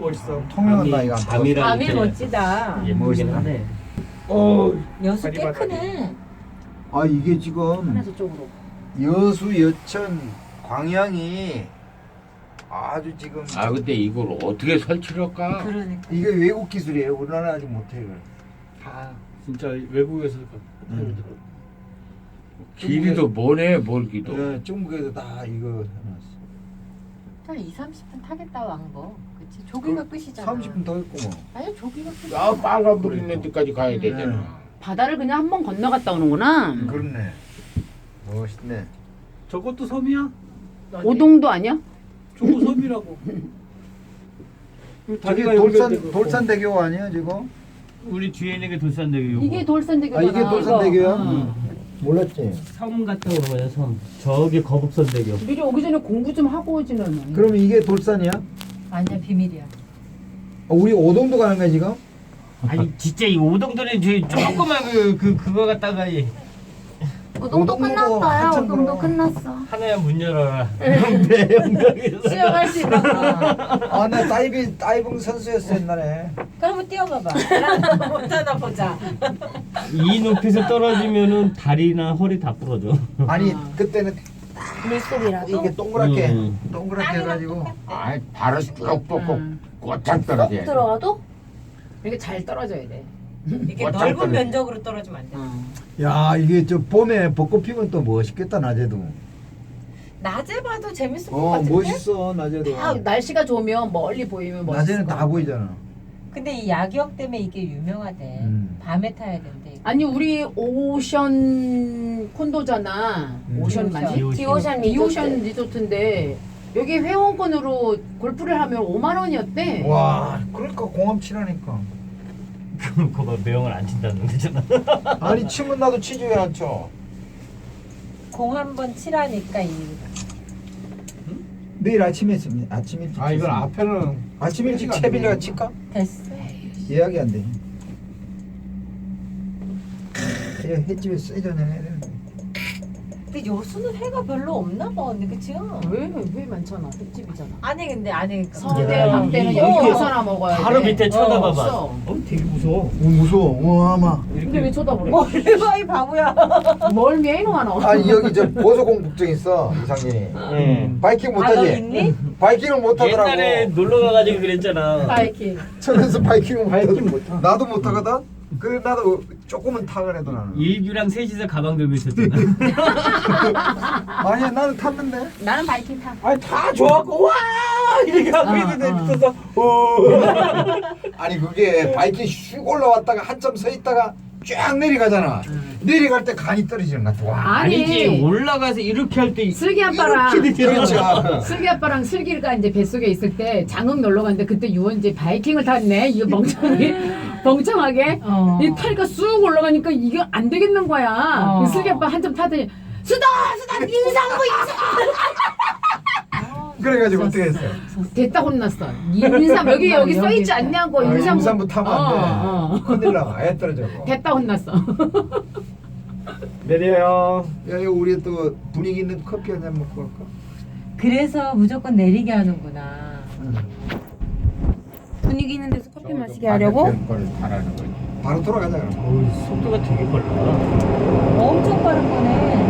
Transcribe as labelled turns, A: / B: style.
A: 멋있어.
B: 통영은 나이가 안
C: 밤이라
D: 밤이
C: 이렇게
D: 멋지다.
C: 예쁘긴 하네.
D: 여수
A: 다리
D: 꽤
A: 봐, 다리.
D: 크네.
B: 아 이게 지금
D: 하나 저쪽으로.
B: 여수, 여천, 광양이 아주 지금
C: 아 근데 이걸 어떻게 설치를 할까?
D: 그러니까.
B: 이게 외국 기술이에요. 우리나라 아직 못해 이걸.
A: 다 진짜 외국에서
C: 길이도 뭐네 멀기도.
B: 네, 중국에도 다 이거 해놨어.
D: 한 2, 30분 타겠다 왕복. 그치? 조기가 끝이잖아.
B: 30분 더 있고 뭐.
D: 아니 조기가 끝이야.
C: 아 빨간 불 있는 데까지 가야 되잖아.
B: 네.
E: 바다를 그냥 한 번 건너갔다 오는구나.
B: 그렇네. 멋있네.
A: 저것도 섬이야?
E: 오동도 아니야?
A: 저거 섬이라고.
B: 저기
A: 다리가 연결되고.
B: 돌산대교 아니야 지금?
F: 우리 뒤에 있는 게 돌산대교.
E: 이게 돌산대교잖아.
B: 아 이게 돌산대교야?
E: 이거.
B: 몰랐지.
F: 섬 갔다 오는 거야 섬. 저기 거북선대교.
E: 미리 오기 전에 공부 좀 하고 오지는.
B: 그러면 이게 돌산이야?
D: 아니야 비밀이야.
B: 우리 오동도 가는 거야 지금?
F: 아니 진짜 이 오동도는 저 조그만 그거 갖다가 이
B: 오동도 끝났어요. 오동도
D: 끝났어.
F: 하나야 문 열어라. 내 영광에서.
D: 수영할 수 있나?
B: 아나 다이빙 선수였어 옛날에.
D: 그럼 뛰어봐봐. 못하나 보자.
F: 이 높이에서 떨어지면은 다리나 허리 다 부러져.
B: 아니 그때는
D: 물속이라도?
B: 이게 동그랗게
F: 음.
B: 동그랗게 해가지고
C: 아 발을 쭉 뻗고 꽉 떨어져야 돼.
D: 들어가도?
E: 이게 잘 떨어져야 돼.
D: 이렇게
C: 어쩔
D: 넓은
C: 거는.
D: 면적으로 떨어지면 안 돼.
B: 야 이게 저 봄에 벚꽃 피면 또 멋있겠다 낮에도.
D: 낮에 봐도 재밌을 것
B: 어
D: 같은데?
B: 멋있어 낮에도.
E: 다 날씨가 좋으면 멀리 보이면 멋있어.
B: 낮에는 다 보이잖아.
D: 근데 이 야경 때문에 이게 유명하대. 밤에 타야 된대. 이거.
E: 아니 우리 오션 콘도잖아. 오션 맞지?
F: 디오션.
E: 디오션 리조트인데 여기 회원권으로 골프를 하면 5만 원이었대.
B: 와 그러니까 공항 치라니까.
F: 그거 매형을 안 친다는 거잖아.
B: 아니 치면 나도 치지 왜 안 쳐?
D: 공 한 번 치라니까 이
B: 내일 아침에 있습니다. 아침 일찍.
A: 아 이건 앞에는
B: 아침 일찍 채빌려가 칠까?
D: 됐어.
B: 예약이 안 돼. 횟집에 세전에 해야 되는데.
D: 근데 여수는 회가 별로 없나 봐 언니 그치?
E: 왜 많잖아. 횟집이잖아.
D: 아니 근데 그러니까
E: 서울대
F: 야,
E: 밤때는
F: 이-
E: 여기
F: 이렇게
E: 가서나 먹어야 돼.
F: 바로 밑에 쳐다봐봐.
E: 없어.
F: 되게 무서워.
B: 오 무서워. 와 아마.
E: 근데 왜 쳐다보래?
D: 얼마 이 바보야.
E: 뭘 메이노 하나?
B: 아니 여기 저 보소공국증 있어 이상진이.
F: 예.
B: 바이킹
D: 아 너
B: 못하지?
D: 있니?
B: 바이킹을 못하더라고.
F: 옛날에 놀러 가가지고 그랬잖아.
E: 바이킹.
B: 천에서 바이킹을 못하거든. 나도 못하거든. 그래 나도 조금은 타 그래도 나는.
F: 일규랑 셋이서 가방 들고 있었잖아.
B: 아니야 나는 탔는데.
E: 나는 바이킹 타.
A: 아니 다 좋아갖고 와 이렇게 하고 있는데 밑에서
B: 아니 그게 바이킹 슉 올라왔다가 한참 서 있다가 쫙 내려가잖아. 내려갈 때 간이 떨어지는 것 같아. 와.
F: 아니지 올라가서 이렇게 할 때
E: 슬기 아빠랑
B: 그렇지.
E: 슬기 아빠랑 슬기가 이제 뱃속에 있을 때 장흥 놀러 갔는데 그때 유원지 바이킹을 탔네. 이거 멍청하게 이 타니까 쑥 올라가니까 이게 안 되겠는 거야. 그 슬기 아빠 한참 타더니 수다 임산부
B: 그래가지고 어떻게 했어?
E: 됐다 혼났어. 임산 여기 써 있지 않냐고
B: 임산부 타면 안 돼.
E: 어.
B: 큰일 나. 아예 떨어져.
E: 됐다 혼났어.
A: 내려요.
B: 야 이거 우리 또 분위기 있는 커피 한 잔 먹고 갈까?
D: 그래서 무조건 내리게 하는구나.
E: 분위기 있는 데서 커피 마시게 하려고?
C: 걸 바라는 거지.
B: 바로 돌아가자 그럼.
F: 속도가 되게 빨라.
D: 엄청 빠른 거네.